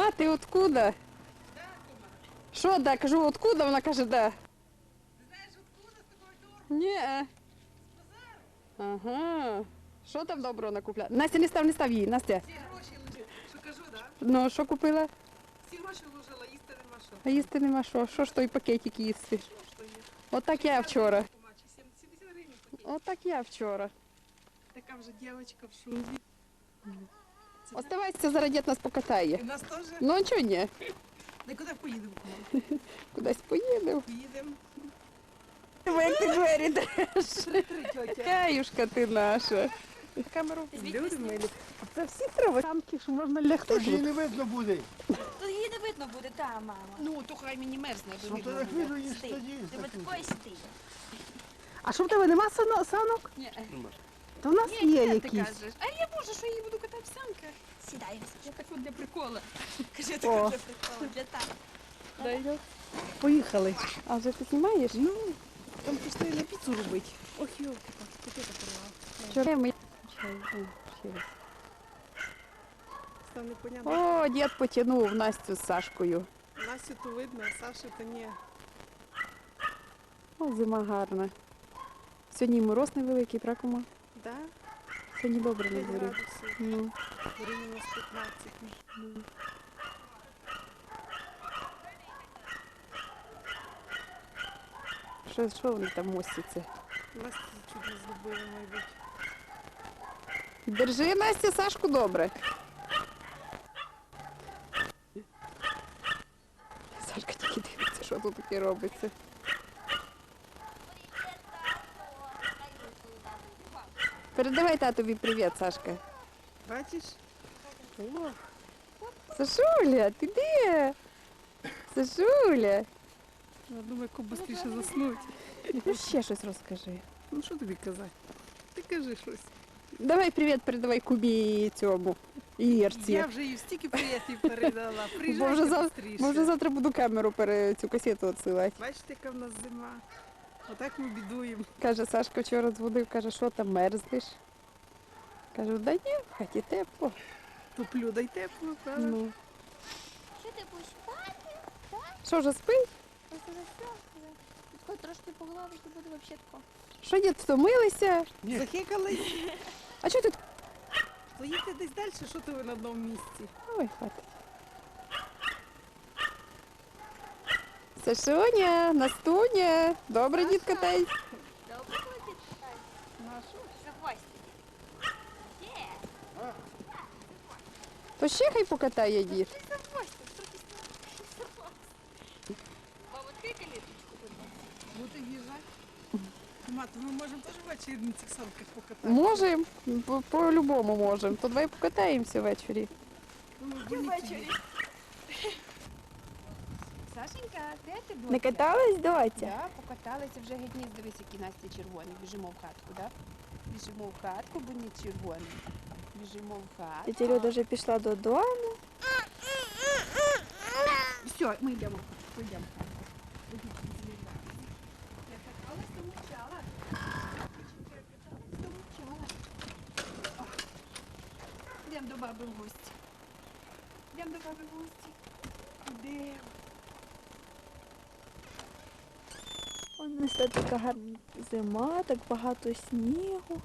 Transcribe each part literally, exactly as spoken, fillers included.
А, ти откуда? Що, да? Кажу, откуда? Вона каже, да. Знаєш, откуда з такого дорогу? Ні. Ага. Що там доброго накупляла? Настя, не став, не став її, Настя. Всі гроші лежать. Що кажу, так? Ну, що купила? Всі гроші вложила, їсти нема що. А їсти нема що. Що ж той пакетик їсти? Що ж то є? Отак я вчора. сімдесят гривень пакет. Отак я вчора. Така вже дівчинка в шубі. Оставайся, зараз дід нас покатає. І нас теж. Ну, чого ні? Нікуди поїдемо. Кудись поїдемо. Поїдемо. Як ти двері даєш? Три тьотя. Каюшка ти наша. Камеру люди милі. А це всі треба самки, що можна лягти. Тож її не видно буде. То її не видно буде, та мама. Ну, то хай мені мерзне. Ну то як видно, її ж Стій. тоді. Ти от такої стій. А що в тебе нема сано- санок? Ні. То в нас є Ти якісь. кажеш. А я можу, що я її буду катати в санках. Сідай. Я так от для прикола. Кажи, О. так для приколу, для так. Поїхали. А вже ти знімаєш? Ну, там просто на піцу робити. Ох, йолки, так, таке порвала. Вчора ми... Чай, о, ще раз. Став непонятно. О, дід потягнув Настю з Сашкою. Настю то видно, а Сашу то ні. О, зима гарна. Сьогодні і мороз невеликий, правда, кума? Да? Сьогодні добре на п'ять дворі. градусів. Ну. Горі мінус п'ятнадцять. Що, що вони там мостяться? Настю чуть не згубили, мабуть. Держи, Настя, Сашку добре. Сашка тільки дивиться, що тут таке робиться. Передавай татові привіт, Сашка. Бачиш? Сашуля, ти де? Сашуля. Я думаю, як швидше заснути. Ну ще щось розкажи. Ну що тобі казати? Ти кажи щось. Давай привіт передавай Кубі і цьому. І Ірці. Я вже їй стільки привітів передала. Бо Приїжджайте вже, зав... швидше. Бо вже завтра буду камеру пере... цю касету відсилати. Бачите, яка в нас зима. Отак ми бідуємо. Каже, Сашка вчора дзвонив, каже, що там мерзнеш? Кажу, да ні, в хаті тепло. Топлю, дай тепло, правда? Ну. Що ти будеш спати? Так? Що, вже спить? Ось уже все. Хоч трошки поглавити буде взагалі тако. Що, дід, втомилися? Захикались. А що тут? Поїдьте десь далі, що ти ви на одному місці? Ой, хватить. Сашуня, Настуня, добре, дід катай. Добре, хватить? Ну а що? Заходь. Є. То ще хай покатає дід. Ти заходь, трохи заходь. Мама, відкрий каліточку, будь ласка. Будете в'їжджати? Ма, то ми можемо теж ввечері на цих санках покататися? Можемо, по- по-любому можемо. То давай покатаємося ввечері. Ну, Ввечері. Сашенька, де ти була? Не катались, доця? Да, покаталися вже геть ні, дивись, які Настя червоні. Біжимо в хатку, да? Біжимо в хатку, бо не червоні. Біжимо в хатку. Тетя Люда вже пішла додому. Все, ми йдемо в хатку, йдемо в хатку. Я каталась, то мовчала. Я каталась, то мовчала. О, йдемо до баби в гості. Йдемо до баби в гості. Йдемо. У нас тут така гарна зима, так багато снігу.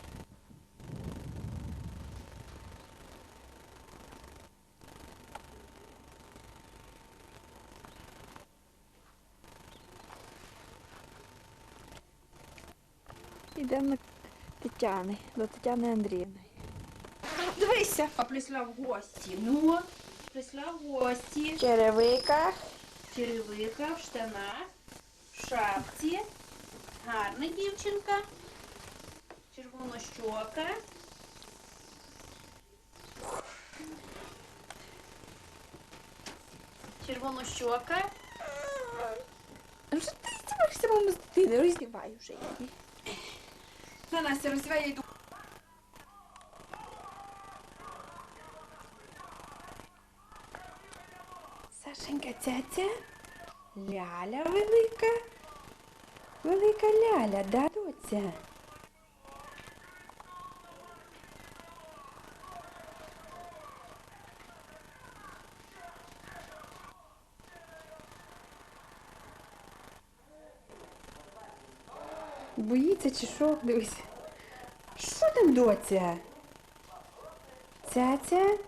Йдемо до Тетяни, до Тетяни Андріївни. Дивися, а прийшла в гості. Ну, прийшла в гості. В черевиках. В черевиках, в штанах, в шапці. Гарна дівчинка. Червонощока. Червонощока. А що ти здіваєшся, мама, з дитини? Роздівай вже її. На, Настя, роздівай, я йду. Сашенька, цяця. Ляля велика. Велика ляля, да, доця? Боїться чи що? Дивись. Що там, доця? Цяця?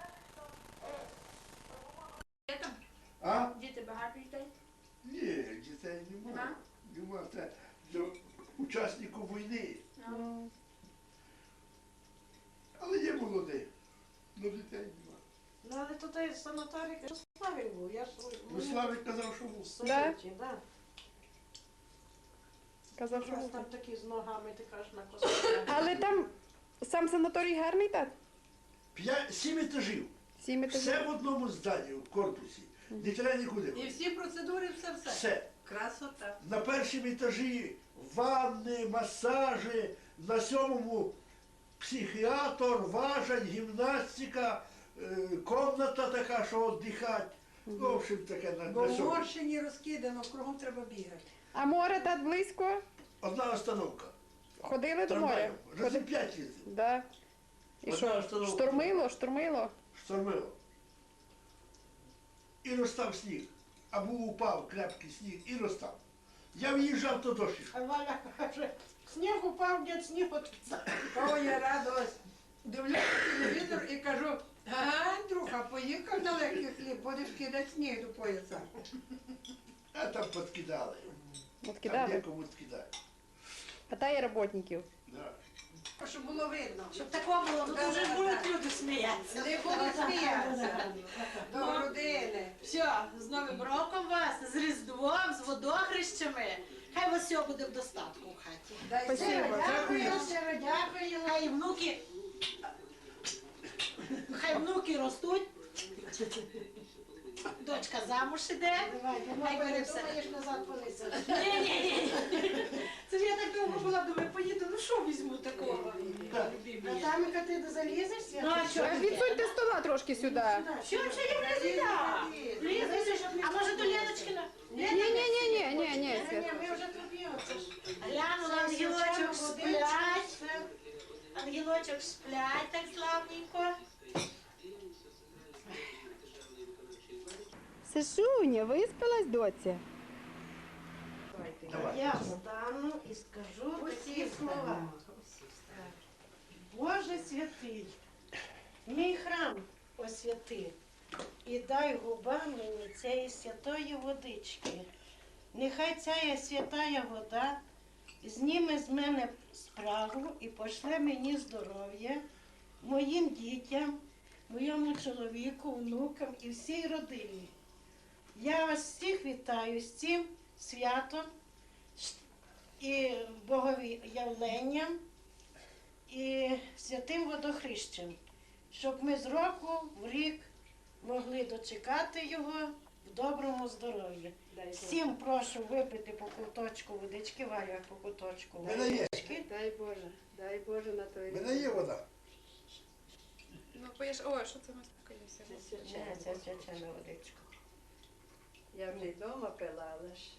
А? Діти багато дітей? Ні, дітей нема. Нема. Це для учасників війни. Але є молоді. Ну дітей нема. Ну, але то той санаторій, що Славік був, я ж... Ну Славик казав, що був. Союзі, да? Казав, що Якраз буде. там такі з ногами, ти кажеш, на косах. Але там сам санаторій гарний, так? П'ять, сім етажів. Сім етажів. Все в одному зданні, в корпусі. Не треба нікуди. І ходити. всі процедури, все все. Все. Красота. На першому етажі ванни, масажі, на сьомому психіатр, важань, гімнастика, е, комната така, що віддихати. Ну, в общем, таке на, Бо на в сьомому. Морщині розкидано, кругом треба бігати. А море так близько? Одна остановка. Ходили до моря? Трамваєм. Разів п'ять їздив. Да. І Одна що, остановка. штормило, штормило? Штормило. І розстав сніг. Або упав крепкий сніг і розстав. Я в'їжджав, то дощ. А Валя каже, сніг упав, дід сніг отрицав. О, я радилась. Дивлюся телевізор і кажу, ага, Андрюха, поїхав на легкий хліб, будеш кидати сніг до пояса. А там подкидали. От Там кидали. декому скидали. Хватає роботників. Да. Щоб було видно. Щоб такого було, ну то вже ж будуть люди сміятися. Не будуть сміятися. До родини. Все, з Новим роком вас, з Різдвом, з водохрещами. Хай у вас все буде в достатку в хаті. Дай Спасибо. Сергу, Дякую, дякую. щиро дякую. Хай внуки, хай внуки ростуть. Дочка замуж іде. Хай буде все. назад полиця. Ні, ні, ні. Це ж я так довго була, думаю, поїду, ну що візьму такого? Натамика, ти залізеш? Ну а що? Е, Відсуньте стола трошки сюди. Що, що я не сюди? Лізеш, а може до Леночкина? Ні, ні, ні, ні, ні, ні, Свят. Ні, ми вже тут є. Це ж Глянула, ангелочок сплять. Ангелочок сплять так славненько. Сашуня, виспалась, доця? Давай. Я встану і скажу такі слова. Боже святий, мій храм освяти і дай губам мені цієї святої водички. Нехай ця святая вода зніме з мене спрагу і пошле мені здоров'я, моїм дітям, моєму чоловіку, внукам і всій родині. Я вас всіх вітаю з цим святом і Боговіявленням і святим водохрещем, щоб ми з року в рік могли дочекати його в доброму здоров'ї. Всім прошу випити по куточку водички, Варя, по куточку Мене є. водички. Дай Боже, дай Боже на той У мене є вода. Ну, поїж, ой, що це ми спокоїмося? Це, це свячена водичка. Я вже й вдома пила, але ж.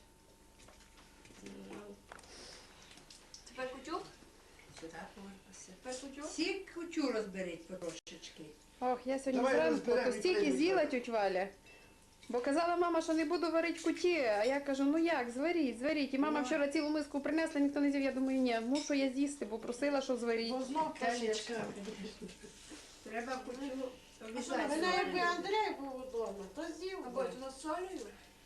Тепер кутюк? Сюди повернуся. Тепер кутюк? Всі кучу розберіть потрошечки. Ох, я сьогодні Давай зранку розберемо то і стільки приймемо. з'їла тють Валя. Бо казала мама, що не буду варити куті, а я кажу, ну як, зваріть, зваріть. І мама вчора цілу миску принесла, ніхто не з'їв. Я думаю, ні, мушу я з'їсти, бо просила, що зваріть. Бо знов пашечка. Треба кучу Вона якби Андрій був вдома, то з'їв. Або би. воно з солею?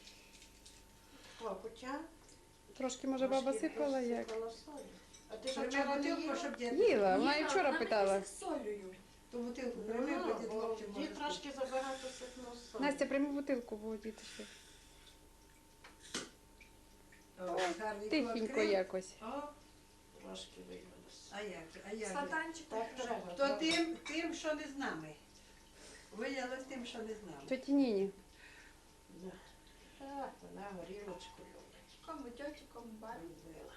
О, хоча Трошки, може, баба сипала як? сипала солі. А ти ж Треба вчора не бутилку, їла? щоб дід. Їла, вона і вчора питала. З солею. Ту бутилку Ну, прийми, бо дід бо хлопчик може. дід трошки забагато сипнув солі. Настя, прийми бутилку, бо діти ще. О, гарненько Тихенько відкрив. якось. О, Трошки виявилося. а як же, а як же? Стаканчик. Так треба. То тим, тим, що не з нами. Виявилось тим, що не з нами. Тьоті Ніні. Да. Так, вона горілочку любить. Кому тьоті, кому бабі. Любила.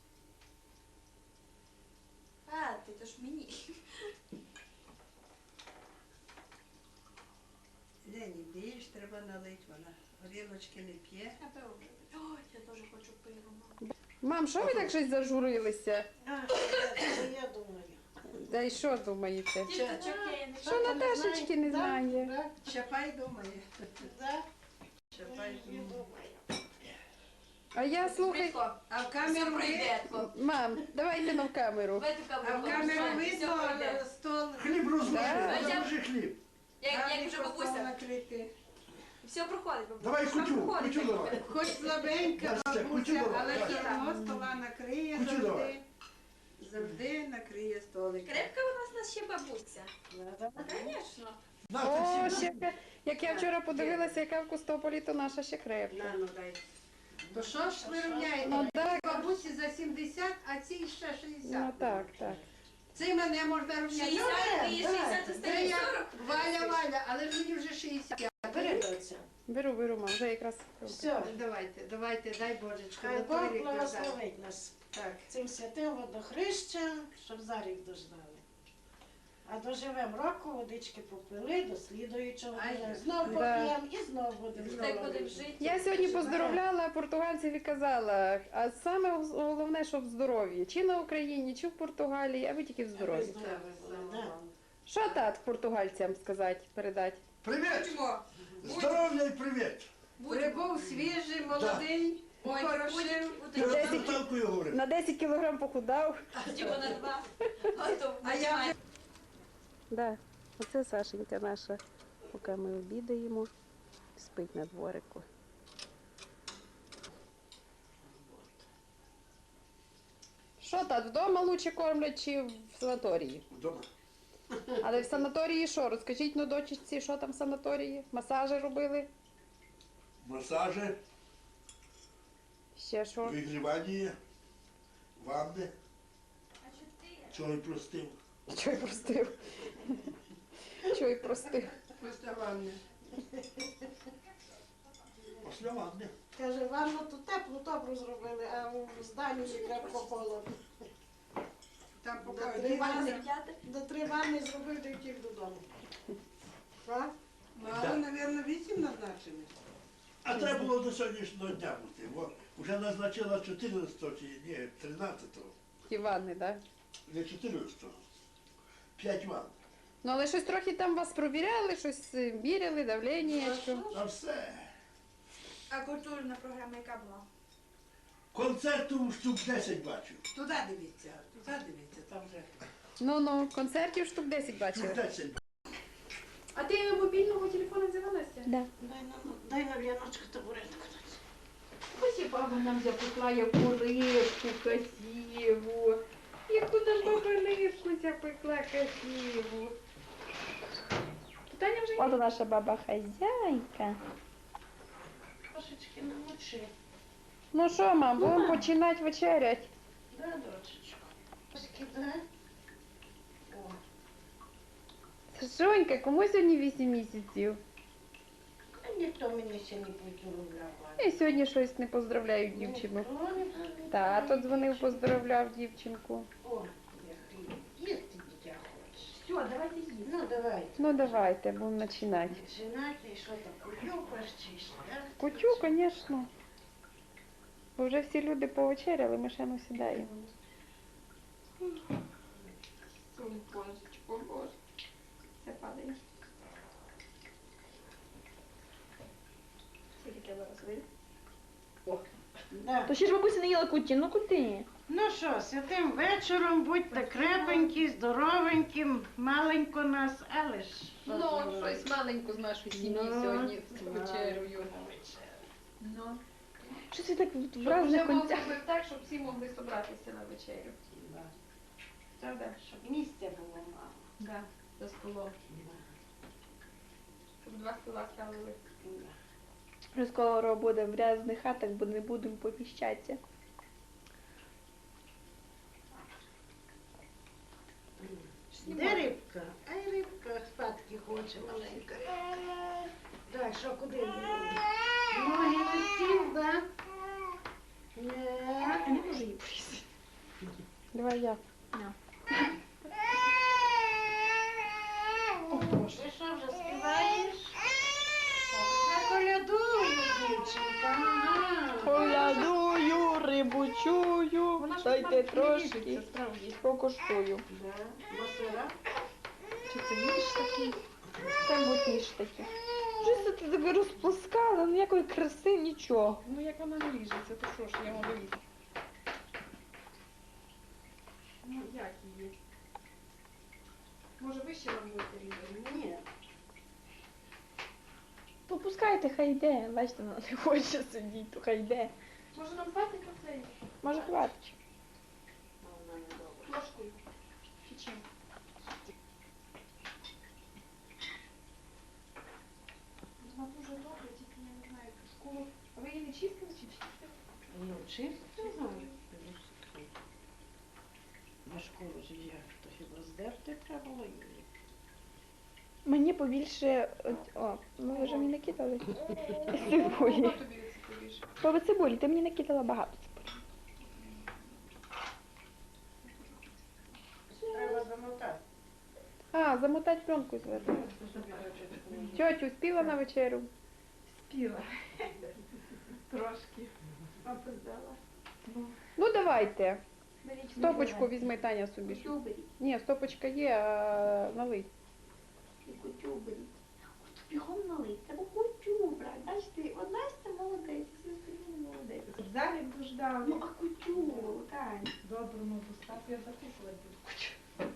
А, ти то ж мені. Лені, більш треба налить, вона горілочки не п'є. Я пиво вже п'ю. Ой, я теж хочу пиво, мам. Мам, що ви так щось зажурилися? А, що я думаю? Да й що думаєте? Діточок я не Що Наташечки не Да, знає? да, Чапай думає. да. Чапай Я думає. думаю. А я слухай, А в Все камеру ви... пройде. мам, давайте на в камеру. В эту А в камеру. камеру Все видно пройде. стол. Хліб розложи, Да. розложи хліб. Як, як гарний вже стол бабуся. накритий. Все проходить, бабуся. Давай Все кутю, проходить. кутю давай. Хоч слабенька Настя, кутю бабуся, давай, але давай. все одно стола накриє Кутю завжди. давай. Завжди накриє столик. Крепка у нас, у нас ще бабуся. Надо. Звісно. На, ти О, всі- ще, ка- як я вчора подивилася, яка в Костополі, то наша ще крепка. На, ну дай. То що ж ви рівняєте? Ну так, Бабусі за сімдесят, а цій ще шістдесят. ну так, так. Це мене можна рівняти. шістдесят і шістдесят Це остає я сорок. Валя, Валя, але ж мені вже шістдесят. Бери доця. Беру, беру, мам, вже якраз. Все. Давайте, давайте, дай Божечко. Хай на Бог той рік назад. благословить нас Так. цим святим водохрещем, щоб за рік дождали. А доживемо року, водички попили, до слідуючого Ай, дня. Знов да. поп'ємо і знов будемо Так здорові. будемо жити. Я сьогодні поздоровляла португальців і казала, а саме головне, щоб в здоров'ї. Чи на Україні, чи в Португалії, а ви тільки в здоров'ї. Здорові були, да. Що тат португальцям сказати, передати? Привіт! Чого? Здоров'я і привіт! Прибув свіжий, молодий, Ой, хороший. будь- Я будь- з Наталкою говорив. На десять кілограм похудав. Чого на два? Готов. А я вже Да, оце Сашенька наша, поки ми обідаємо, спить на дворику. Що тат, вдома лучше кормлять чи в санаторії? Вдома. Але в санаторії що? Розкажіть ну дочці, що там в санаторії? Масажі робили? Масажі, Ще що? вигрівання, ванни. Чого й простив. Чого й простив? Чого й простив? поставлений. Після ванни. Каже, ванну тут теплу добру зробили, а в зданні крепко холодно. Там До поки три ванни, П'яте. до три ванни зробив, та й втік додому. Так? Мало, мабуть, вісім назначені. А треба було до сьогоднішнього дня бути. Бо вже назначила чотирнадцятого чи ні, тринадцятого. Ті ванни, так? Не чотирнадцятого. П'ять ванн. Ну але щось трохи там вас провіряли, щось е, міряли, давлення, що? А все. А культурна програма яка була? Концерту штук десять бачив. Туди дивіться, туди дивіться, там вже. Ну-ну, концертів штук десять Штук бачили. десять. А ти мобільного телефону взяла, Настя? Да. Дай на, дай на в'яночку табуретку. Ось і баба нам запекла яку рибку красиву. Яку нам баба рибку запекла красиву. Таня вже От наша баба хазяйка. Трошечки намочи. Ну що, мам, будемо починати вечерять. Да, дочечко. Трошки, да? О, Сашонька, кому сьогодні вісім місяців? а ніхто мені ще не поздоровляв. Я сьогодні щось не поздравляю дівчину. Ніхто не поздоровляв. Тато дзвонив, поздравляв дівчинку. О, я хліб. Їсти дитя хочеш. Все, давайте їсти. Ну, давай. Ну давайте, будемо починати. Починати, і що там, кутюкаш чи що, да? Кутю, звісно. Бо вже всі люди повечеряли, ми ще не сідаємо. Божечко, боже. Все падає. Скільки треба розвити? Да. То ще ж бабуся не їла куті, ну куди? Ну що, святим вечором, будьте крепенькі, здоровенькі, маленько нас, але ж. Ну, щось маленько з нашої сім'ї Ну, сьогодні з маленько вечерою. на вечерю. Ну, Щось ви так в щоб разних вже мав концях. зробити так, щоб всі могли зібратися на вечерю. Да. Правда? Щоб місця було мало. Да, за столом. Щоб два стола ставили. Да. Вже скоро буде в різних хатах, бо не будемо поміщатися. Де рибка? Ай, рибка спадки хоче маленька. Так, що куди? Ноги на стіл, да? Не. не можу її порізати. Давай я. Ти що вже співаєш? Я колядую, дівчинка. Ага. Колядую, рибу чую, дайте трошки, справді. покуштую. Да. Масира. Чи це ніж такий? Це будь ніж такий. Щось тут ти тебе розплескала, ніякої краси, нічого. Ну як вона не ріжеться, то що ж, я можу їсти. Ну як її? Може вище вам будете різати? Ні. Попускайте, хай йде. Бачите, вона не хоче сидіти, то хай йде. Може нам хватить оцей? Може, хватить. А вона не добре. Ложкою. Чи чим? Вона дуже добре, тільки я не знаю, в школу. А ви її не чистили чи чистили? Ну, чисто знаю. На школу ж як, то хіба здерти треба було її? Мені побільше. от- О, ну ви вже мені накидали. Хто Цибулі. тобі це побільше? По цибулі, ти мені накидала багато цибулі. Треба замотати. А, замотати пленку зверху. Тьотю, спіла на вечерю? Спіла. Трошки. Опоздала. Ну давайте. Беріть Стопочку візьми, Таня, собі. кутю беріть. Ні, стопочка є, а налий. І кутю беріть. От бігом налить. Треба кутю брати. Бачите, от Настя молодець, всі остальні не молодець. Залі б ждав. Ну, а кутю, Тань. Добре, ну достав, я записувати буду.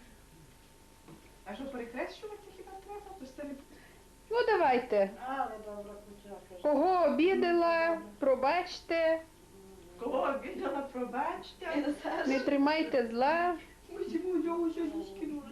А що, перехрещувати хіба треба? То це не... Ну давайте. Але добра кучака. Кого обідала, пробачте, Кого обідала, пробачте. не тримайте зла. Ось йому його сьогодні скинула.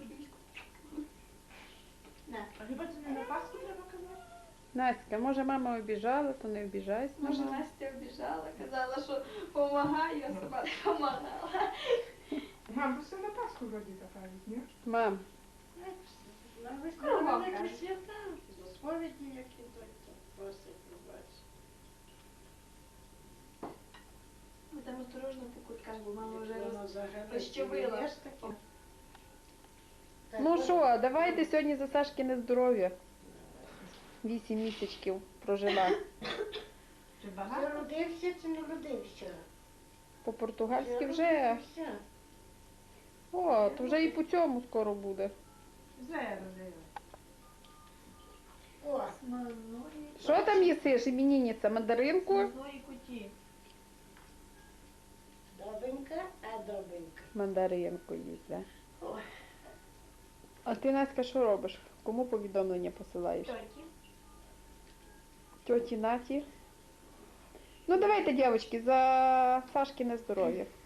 А хіба це не на Пасху треба казати? Настя, може мама обіжала, то не обіжайся. Може, Настя обіжала, казала, що помагаю, а сама не помагала. Мам, все на Пасху вроді так кажуть, ні? Мам, На Кого вам весні кажуть? свята, до сповіді, як ідуть, то просять пробачити. Ви там осторожно по кутках, бо мама вже Воно роз... загадує, розчавила. є ж таке. Так, ну от, що, давайте сьогодні за Сашкине здоров'я. Вісім місяців прожила. Чи Ти багато? родився чи не родився? По-португальськи Ти вже. родився. О, то вже і по цьому скоро буде. Зараз, зараз. О, Смазної... Що там їсиш, іменинниця, мандаринку? Смазної куті. добенька, а добенька. Мандаринку їсть, да? Ой. А ти, Настя, що робиш? Кому повідомлення посилаєш? Тьоті. Тьоті Наті? Ну давайте, дівчатки, за Сашкине здоров'я.